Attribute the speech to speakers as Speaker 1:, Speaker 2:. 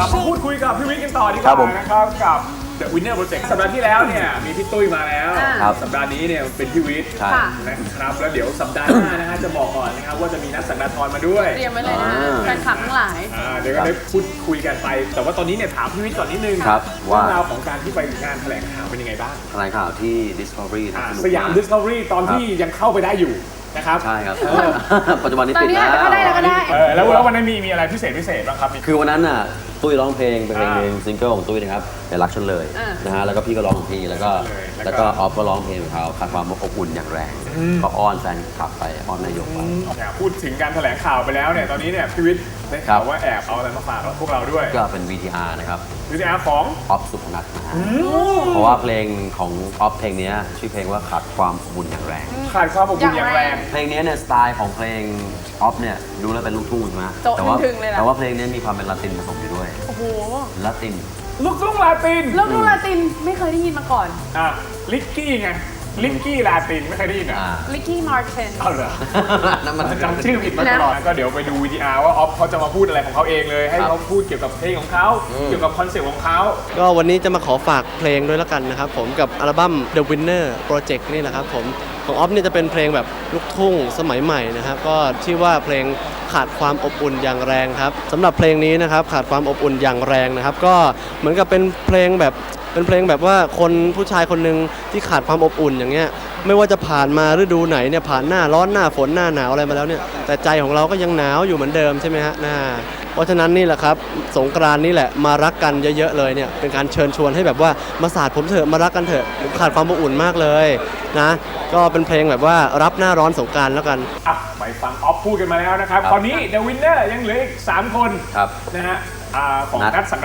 Speaker 1: ลับมาพูดคุยกับพี่วิทย์กันต่อดีกว่านะครับกับ The Winner Project สัปดาห์ที่แล้วเนี่ยมีพี่ตุ้ยมาแล้วสัปดาห์นี้เนี่ยเป็นพี่วิทย์นะครับแล้วเดี๋ยวสัปดาห์หน้านะฮะจะบอกก่อนนะครับว่าจะมีนัดสังกัดทรมาด้วย
Speaker 2: เตรียมไว้เลยนะแฟนคลับทั้งหลาย
Speaker 1: เดี๋ยวก็ได้พูดคุยกันไปแต่ว่าตอนนี้เนี่ยถามพี่วิทย์ก่อนนิดนึงเรื่องราวของการที่ไปงานแถลงข่าวเป็นยังไงบ้าง
Speaker 3: แถลงข่าวที่ Discovery
Speaker 1: สยาม Discovery ตอนที่ยังเข้าไปได้อยู่นะครับ
Speaker 3: ใช่ครับปัจจุบันนี้ปิด
Speaker 2: แล้วก็ได้
Speaker 1: แล้ววันนั้นมีอะไรพิเศษบ้างครับ
Speaker 3: คือวันนั้นน่ะตุ้ยร้องเพลงเป็นเพลงซิงเกิลของตุ้ยนะครับอย่ารักฉันเลยนะฮะแล้วก็พี่ก็ร้องของพี่แล้วก็ออฟก็ร้องเพลงของเขาขาดความอบอุ่นอย่างแรงก็อ้อนแฟนคลับไปอ้อนนายกไป
Speaker 1: พูดถึงการแถลงข่าวไปแล้วเนี่ยตอนนี้เนี่ยพี่วิทย์ได้ข่าวว่าแอบเอาอะไรมาฝากพวกเราด้วย
Speaker 3: ก็เป็น VTR นะครับ
Speaker 1: VTR ของ
Speaker 3: ออฟสุพนัทนะฮะเพราะว่าเพลงของออฟเพลงนี้ชื่อเพลงว่าขาดความอบอุ่นอย่างแรง
Speaker 1: ขาดความอบอุ่นอย่างแรง
Speaker 3: เพลงนี้เนี่ยสไตล์ของเพลงออฟเนี่ยดูแล้วเป็นลูกทุ่งใช่ไหมแต่ว่าเพลงนี้มีความเป็นลาตินผสมอยู่ด้วย
Speaker 2: โอ้โห
Speaker 3: ลาติน
Speaker 1: ลูกทุ่งลาติน
Speaker 2: ไม่เคยได้ยินมาก่อน
Speaker 1: ลิกกี้ไงลิกกี้ลาตินไม่เคยได้ยิน
Speaker 2: ลิกกี้มาร์ติน
Speaker 1: เอาเหรอนั่นมันจำชื่อผิดมาตลอดก็เดี๋ยวไปดูVTRว่าออฟเขาจะมาพูดอะไรของเขาเองเลยให้เขาพูดเกี่ยวกับเพลงของเขาเกี่ยวกับคอนเซ็ปต์ของเขา
Speaker 4: ก็วันนี้จะมาขอฝากเพลงด้วยแล้วกันนะครับผมกับอัลบั้ม The Winner Project นี่แหละครับผมของออฟเนี่ยจะเป็นเพลงแบบลูกทุ่งสมัยใหม่นะครับก็ชื่อว่าเพลงขาดความอบอุ่นอย่างแรงครับสำหรับเพลงนี้นะครับขาดความอบอุ่นอย่างแรงนะครับก็เหมือนกับเป็นเพลงแบบว่าคนผู้ชายคนหนึ่งที่ขาดความอบอุ่นอย่างเงี้ยไม่ว่าจะผ่านมาฤดูไหนเนี่ยผ่านหน้าร้อนหน้าฝนหน้าหนาวอะไรมาแล้วเนี่ยแต่ใจของเราก็ยังหนาวอยู่เหมือนเดิมใช่ไหมฮะเพราะฉะนั้นนี่แหละครับสงกรานต์นี่แหละมารักกันเยอะๆเลยเนี่ยเป็นการเชิญชวนให้แบบว่ามาสาดผมเถอะมารักกันเถอะผมขาดความอบอุ่นมากเลยนะก็เป็นเพลงแบบว่ารับหน้าร้อนสงกรานต์แล้วกัน
Speaker 1: ไปฟังออฟพูดกันมาแล้วนะครับตอนนี้ The Winner ยังเหลืออีก3 คนนะฮะของนัดสัง